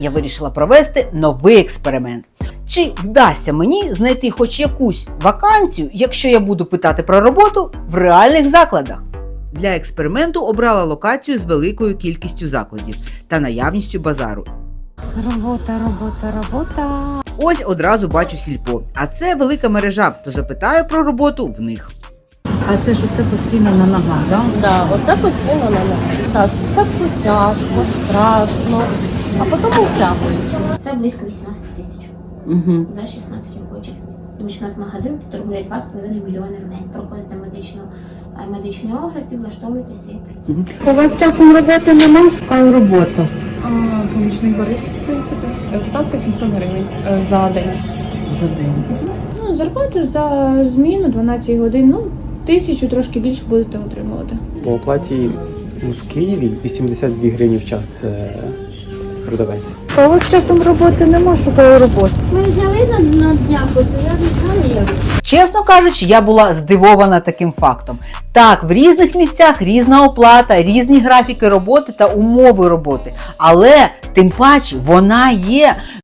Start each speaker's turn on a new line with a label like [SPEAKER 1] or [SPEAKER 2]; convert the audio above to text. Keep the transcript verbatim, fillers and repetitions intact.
[SPEAKER 1] Я вирішила провести новий експеримент. Чи вдасться мені знайти хоч якусь вакансію, якщо я буду питати про роботу в реальних закладах? Для експерименту обрала локацію з великою кількістю закладів та наявністю базару.
[SPEAKER 2] Робота, робота, робота.
[SPEAKER 1] Ось одразу бачу сільпо, а це велика мережа, то запитаю про роботу в них.
[SPEAKER 3] А це ж оце постійно на ногах, так?
[SPEAKER 4] Да, оце постійно на нас. Так, спочатку тяжко, страшно, а потім втягується.
[SPEAKER 5] Це близько вісімнадцять тисяч
[SPEAKER 1] Угу.
[SPEAKER 5] за шістнадцять робочих днів. Тому що у нас магазин торгує два з половиною мільйони в день. Проходите медичну, е, медичний огляд і влаштовуєтеся і працюєте.
[SPEAKER 3] У вас часом роботи немає, шукаю роботу.
[SPEAKER 4] Помічник бариста, в принципі. Ставка сімсот гривень е, за день.
[SPEAKER 3] За день.
[SPEAKER 6] Ну, зарплата за зміну дванадцять годин, ну, тисячу трошки більше будете отримувати.
[SPEAKER 7] По оплаті ну, в Києві вісімдесят дві гривні в час – це продавець.
[SPEAKER 3] А у вас часом роботи немає, шукаю роботу.
[SPEAKER 5] Ми взяли на, на днях, ось я не знаю як.
[SPEAKER 1] Чесно кажучи, я була здивована таким фактом. Так, в різних місцях різна оплата, різні графіки роботи та умови роботи. Але, тим паче, вона є.